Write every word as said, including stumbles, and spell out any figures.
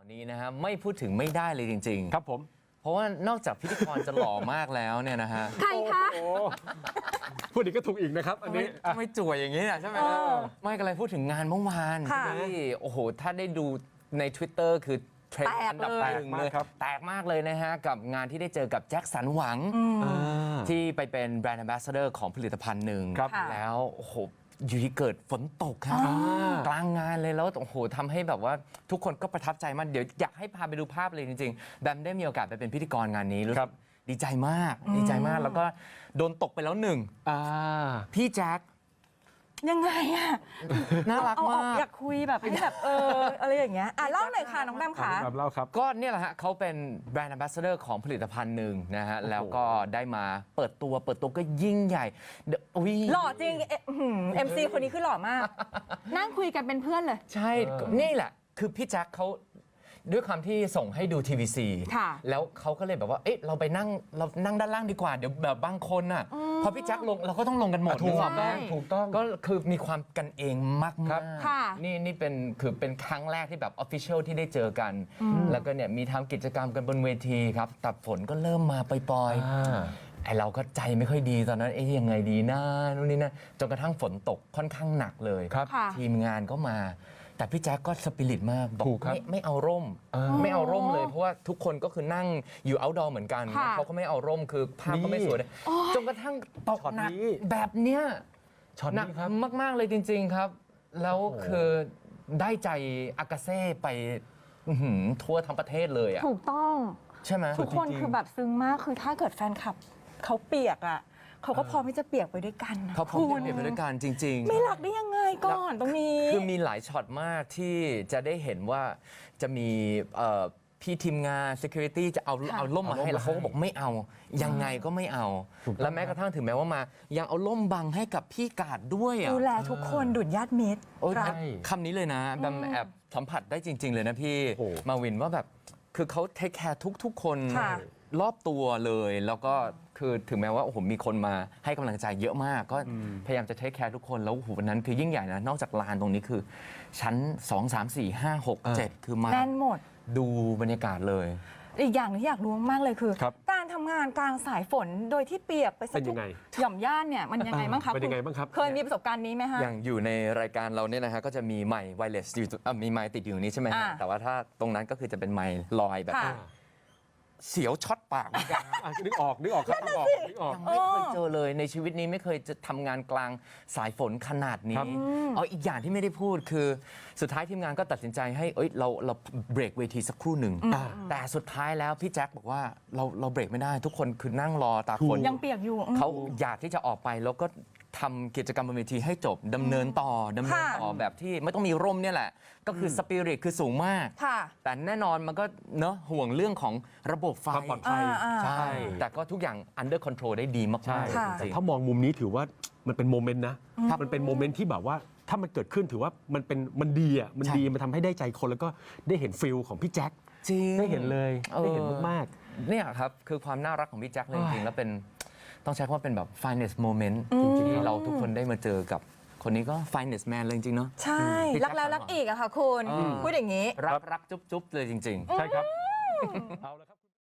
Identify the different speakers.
Speaker 1: นี้นะฮะไม่พูดถึงไม่ได้เลยจริงๆ
Speaker 2: ครับผม
Speaker 1: เพราะว่านอกจากพิธีกรจะหล่อมากแล้วเนี่ยนะฮะ
Speaker 3: ใครคะ
Speaker 2: พูดอีกก็ถูกอีกนะครับอันนี้
Speaker 1: ไม่จ่วยอย่างนี้นะใช่ไหมไม่ก็เลยพูดถึงงานเมื่อวานที่โอ้โหถ้าได้ดูใน Twitter คือเทรนด์อันดับหนึ่งเลยแตกมากเลยนะฮะกับงานที่ได้เจอกับแจ็คสันหวังที่ไปเป็นแบรนด์แอมบาสเดอร์ของผลิตภัณฑ์หนึ่งแล้วโอ้โหอยู่ที่เกิดฝนตกครับกลางงานเลยแล้วโอ้โหทำให้แบบว่าทุกคนก็ประทับใจมากเดี๋ยวอยากให้พาไปดูภาพเลยจริงๆแบมได้มีโอกาสไปเป็นพิธีกรงานนี้รู้สึกดีใจมากดีใจมากแล้วก็โดนตกไปแล้วหนึ่งพี่แจ็ค
Speaker 3: ยังไงอะ
Speaker 1: น่ารักมาก
Speaker 3: อยากคุยแบบให้แบบเอออะไรอย่างเงี้ยอ่ะเล่าหน่อยค่ะน้องแบมค่ะ
Speaker 2: เล่าครับ
Speaker 1: ก็เนี่ยแหละฮะเขาเป็นแบรนด์แอมบาสเดอร์ของผลิตภัณฑ์หนึ่งนะฮะแล้วก็ได้มาเปิดตัวเปิดตัวก็ยิ่งใหญ่
Speaker 3: หล่อจริงเอ็มซีคนนี้คือหล่อมากนั่งคุยกันเป็นเพื่อนเลย
Speaker 1: ใช่นี่แหละคือพี่แจ็คเขาด้วยความที่ส่งให้ดู ที วี ซี แล้วเขาก็เลยแบบว่า เอ๊ะ เราไปนั่ง เรานั่งด้านล่างดีกว่า เดี๋ยวแบบบางคนน่ะ พอพี่แจ็คลงเราก็ต้องลงกันหมด
Speaker 2: ถูกต้องถูกต้อง
Speaker 1: ก็คือมีความกันเองมากครับนี่นี่เป็นคือเป็นครั้งแรกที่แบบ Official ที่ได้เจอกัน แล้วก็เนี่ยมีทำกิจกรรมกันบนเวทีครับแต่ฝนก็เริ่มมาปล่อยๆไอเราก็ใจไม่ค่อยดีตอนนั้นเอ๊ะยังไงดีนะนู่นนี่นะจนกระทั่งฝนตกค่อนข้างหนักเลยทีมงานก็มาแต่พี่แจ๊คก็สปิริตมากบอกไม่ไม่เอาร่มไม่เอาร่มเลยเพราะว่าทุกคนก็คือนั่งอยู่เอาท์ดอร์เหมือนกันเขาก็ไม่เอาร่มคือภาพก็ไม่สวยเลยจนกระทั่งตกหนักแบบเนี้ยหนักมากๆเลยจริงๆครับแล้วคือได้ใจอากาเซ่ไปทั่วทั้งประเทศเลยอ่ะ
Speaker 3: ถูกต้อง
Speaker 1: ใช่ไหม
Speaker 3: ทุกคนคือแบบซึ้งมากคือถ้าเกิดแฟนคลับเขาเปียกอ่ะเขาก็พร้อมที่จะเปียกไปด้วยกัน
Speaker 1: เขาพร้อมที่จะเปียกไปด้วยกันจริงๆ
Speaker 3: ไม่รักได้ยังไงก่อนตรงนี้
Speaker 1: คือมีหลายช็อตมากที่จะได้เห็นว่าจะมีพี่ทีมงาน security จะเอาเอาล่มมาให้แล้วเขาก็บอกไม่เอายังไงก็ไม่เอาแล้วแม้กระทั่งถึงแม้ว่ามายังเอาล่มบังให้กับพี่กาดด้วย
Speaker 3: ดูแลทุกคนดุจญาติมิตร
Speaker 1: คำนี้เลยนะแบมแอบสัมผัสได้จริงๆเลยนะพี่มาวินว่าแบบคือเขาเทคแคร์ทุกๆคนรอบตัวเลยแล้วก็คือถึงแม้ว่าโอ้โหมีคนมาให้กำลังใจเยอะมากก็พยายามจะเทคแคร์ทุกคนแล้วโอ้โหวันนั้นคือยิ่งใหญ่นะนอกจากลานตรงนี้คือชั้นสอง สาม สี่ ห้า หก เจ็ดคือมา
Speaker 3: แน่นหมด
Speaker 1: ดูบรรยากาศเลย
Speaker 3: อีกอย่างที่อยากรู้มากเลยคือการทำงานกลางสายฝนโดยที่เปียกไปสักหย่อมย่านเนี่ยมันยังไงบ้างครับ
Speaker 2: เป็นยังไงบ้างครับ
Speaker 3: เคยมีประสบการณ์นี้ไหมฮะ
Speaker 1: อย่างอยู่ในรายการเราเนี่ยนะฮะก็จะมีไมค์ไวเลสอยู่มีไมค์ติดอยู่นี้ใช่ไหมฮะแต่ว่าถ้าตรงนั้นก็คือจะเป็นไมค์ลอยแบบเสียวช็อตปากเหมือนกัน
Speaker 2: นึกออกนึกออกครับนึกออกนึกออก
Speaker 1: ไม่เคยเจอเลยในชีวิตนี้ไม่เคยจะทำงานกลางสายฝนขนาดนี้เอาอีกอย่างที่ไม่ได้พูดคือสุดท้ายทีมงานก็ตัดสินใจให้เอ้ยเราเราเบรกเวทีสักครู่หนึ่งแต่สุดท้ายแล้วพี่แจ็คบอกว่าเราเราเบรกไม่ได้ทุกคนคือนั่งรอตาฝน
Speaker 3: ยังเปียกอยู่
Speaker 1: เขาอยากที่จะออกไปแล้วก็ทำกิจกรรมบนเวทีให้จบดำเนินต่อดำเนินต่อแบบที่ไม่ต้องมีร่มเนี่ยแหละก็คือสปิริตคือสูงมากแต่แน่นอนมันก็เนอะห่วงเรื่องของระบบไฟ
Speaker 2: ความปลอดภัย
Speaker 1: ใช่แต่ก็ทุกอย่าง under control ได้ดีมากๆ
Speaker 2: แต่ถ้ามองมุมนี้ถือว่ามันเป็นโมเมนต์นะมันเป็นโมเมนต์ที่แบบว่าถ้ามันเกิดขึ้นถือว่ามันเป็นมันดีอ่ะมันดีมันทำให้ได้ใจคนแล้วก็ได้เห็นฟิลของพี่แจ็ค
Speaker 1: จริง
Speaker 2: ได้เห็นเลยได้เห็นมาก
Speaker 1: ๆเนี่ยครับคือความน่ารักของพี่แจ็คเลยจริงๆแล้วเป็นต้องใช้คำว่าเป็นแบบ finest moment จริงๆเราทุกคนได้มาเจอกับคนนี้ก็ finest man เลยจริงๆเนาะ
Speaker 3: ใช่รักแล้วรักอีกอะค่ะคุณพูดอย่างนี้
Speaker 1: รักรักจุ๊บๆเลยจริงๆ
Speaker 2: ใช่ครับ